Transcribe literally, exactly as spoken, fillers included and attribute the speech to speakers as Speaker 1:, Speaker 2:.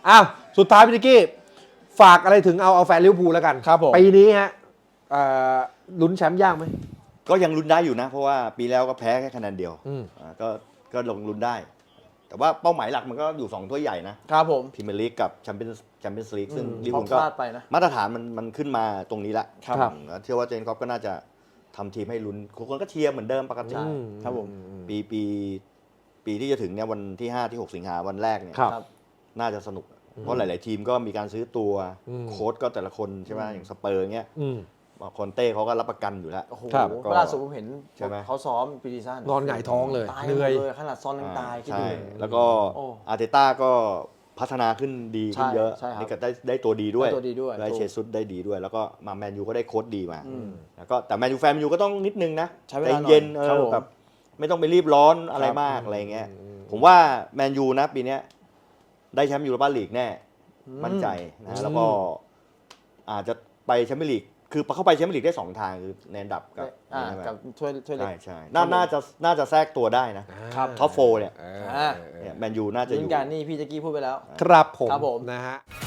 Speaker 1: อ้าวสุดท้ายพี่นิกกี้ฝากอะไรถึงเอาเอาแฟนลิเวอร์พูลแล้วกันครับผมปีนี้ฮะลุ้นแชมป์ยากไหม
Speaker 2: ก็ยังลุ้นได้อยู่นะเพราะว่าปีแล้วก็แพ้แค่คะแนนเดียวก็ก็ลงลุ้นได้แต่ว่าเป้าหมายหลักมันก็อยู่สองถ้วยใหญ่นะครับผมพรีเมียร์ลีกกับแชมเปี้ยนส์แชมเปี้ยนส์ลีกซึ่งลิเวอร์พูลก็มาตรฐานมันมันขึ้นมาตรงนี้ละเชื่อว่าเจนคอปก็น่าจะทำทีมให้ลุ้นคนก็เชียร์เหมือนเดิมปกติ
Speaker 3: ครับผม
Speaker 2: ปีปีปีที่จะถึงเนี่ยวันที่ห้าที่หกสิงหาวันแรกเนี่ยน่าจะสนุกเพราะหลายๆทีมก็มีการซื้อตัวโค้ชก็แต่ละคนใช่ไหมอย่างสเปอร์เงี้ยคอนเต้เขาก็รับประกันอยู่แล้ว
Speaker 3: โอ้โหล่าสุดผมเห็นเขาซ้อมปีดีซ่าน
Speaker 1: นอนหงายท้องเลย
Speaker 3: เหนื่อยขนาดซ้อนยังตาย
Speaker 2: ใช่แล้วก็อาร์เตต้าก็พัฒนาขึ้นดีขึ้นเยอะนี่ก็ได้ได้ตัวดีด้วยได้เชซุสได้ดีด้วยแล้วก็มาแมนยูก็ได้โค้ชดีมาแล้วก็แต่แมนยูแฟนแมนยูก็ต้องนิดนึงนะใจเย็นเออแบบไม่ต้องไปรีบร้อนอะไรมากอะไรเงี้ยผมว่าแมนยูนะปีนี้ได้แชมป์ยูโรปาลีกแน่มั่นใจนะแล้วก็อาจจะไปแชมเปี้ยนลีกคือเข้าไปแชมเปี้ยนลีกได้สองทางคือในอันดับกับ
Speaker 3: กับถ้วยถ้วยเล็ก
Speaker 2: ใช่ใช่น่าจะน่าจะแทรกตัวได้นะท็อปโฟร์เนี่ยแมนยูน่าจะอยู่
Speaker 3: การนี่พี่แจ็คกี้พูดไปแล้ว
Speaker 1: ครับผมนะฮะ